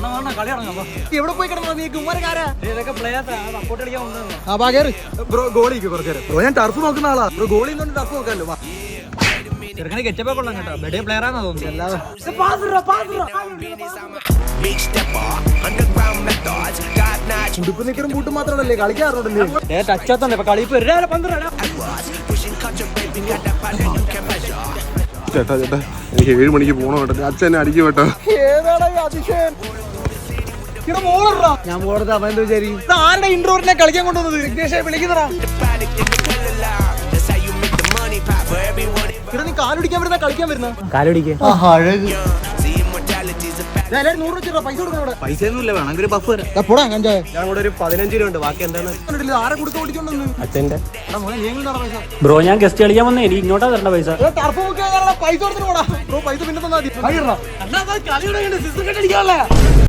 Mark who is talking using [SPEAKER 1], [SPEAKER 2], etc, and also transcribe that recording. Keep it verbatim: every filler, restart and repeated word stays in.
[SPEAKER 1] എവിടെ പോയി കിടന്നോ നീ കുമാരക്കാരാ?
[SPEAKER 2] ബ്രോ ഗോളിക്ക് കുറച്ചു ബ്രോ ഞാൻ ടർഫ് നോക്കുന്ന ആളാ. ബ്രോ ഗോളി ടർഫ് നോക്കാമല്ലോ.
[SPEAKER 1] ചെറുക്കനെ കെച്ചപ്പോ കൊള്ളാം കേട്ടോ. ബെഡേ പ്ലെയർ ആണെന്ന് തോന്നുന്നു. അല്ലാതെ
[SPEAKER 2] ഉടുപ്പ് നിക്കറും ബൂട്ടും മാത്രമല്ലേ കളിക്കാറുണ്ടല്ലേ?
[SPEAKER 1] ടച്ചാത്തോണ്ട് കളി ഇപ്പൊ
[SPEAKER 3] ചേട്ടാ ചേട്ടാ എനിക്ക് ഏഴ് മണിക്ക് പോകണം കേട്ടോ. അച്ഛൻ എന്നെ അടിക്കും കേട്ടോ.
[SPEAKER 2] ഏതാടാ ഈ അതിശയൻ?
[SPEAKER 1] ഞാൻ പോകരുത്. അവൻ എന്ത് വിചാരിക്കും?
[SPEAKER 2] ആരുടെ ഇൻട്രോറിനെ കളിക്കാൻ കൊണ്ടുവന്നത്? വിഘ്നേഷെ വിളിക്കുന്നതാ. ഇവിടെ നീ കാലുടിക്കാൻ വരുന്ന കളിക്കാൻ വരുന്ന
[SPEAKER 1] കാലടിക്ക്
[SPEAKER 2] നൂറ് രൂപ പൈസ കൊടുക്കണം.
[SPEAKER 1] പൈസ ഒന്നുമില്ല. വേണമെങ്കിൽ ഒരു ബഫ് വരാം.
[SPEAKER 2] പോടാ കഞ്ചായ.
[SPEAKER 1] ഞാൻ കൂടെ ഒരു പതിനഞ്ച് രൂപ ഉണ്ട്. ബാക്കി എന്താണ്?
[SPEAKER 2] ആരെ കൊടുത്ത് ഓടിക്കൊണ്ടെന്ന്
[SPEAKER 1] അച്ഛന്റെ
[SPEAKER 2] പൈസ
[SPEAKER 1] ബ്രോ. ഞാൻ ഗസ്റ്റ് കളിക്കാൻ വന്നേ. എനിക്ക് ഇങ്ങോട്ടാ തരേണ്ട പൈസ.
[SPEAKER 2] ടർഫ് ബുക്ക് പൈസ കൊടുത്തിട്ട് പോടാ ബ്രോ. പൈസ പിന്നെ തന്നാ മതി.